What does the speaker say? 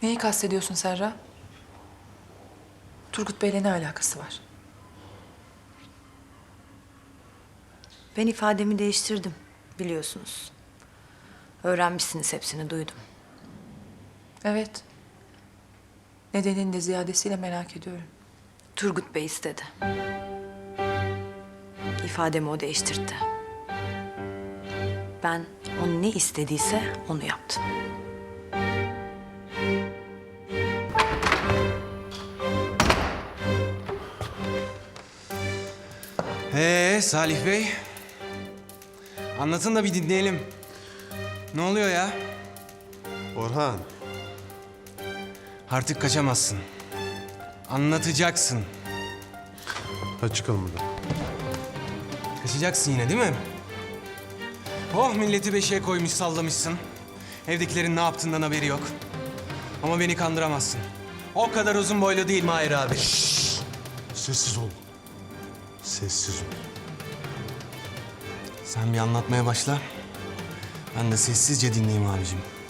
Neyi kastediyorsun Serra? Turgut Bey'le ne alakası var? Ben ifademi değiştirdim, biliyorsunuz. Öğrenmişsiniz, hepsini duydum. Evet. Nedenini de ziyadesiyle merak ediyorum. Turgut Bey istedi. İfademi o değiştirdi. Ben o ne istediyse onu yaptım. Salih Bey. Anlatın da bir dinleyelim. Ne oluyor ya? Orhan, Artık kaçamazsın. Anlatacaksın. hadi çıkalım buradan. Kaçacaksın yine değil mi? Oh, milleti beşiğe koymuş sallamışsın. Evdekilerin ne yaptığından haberi yok. Ama beni kandıramazsın. O kadar uzun boylu değil Mahir abi. Sessiz ol. Sessiz ol. Sen bir anlatmaya başla. Ben de sessizce dinleyeyim abicim.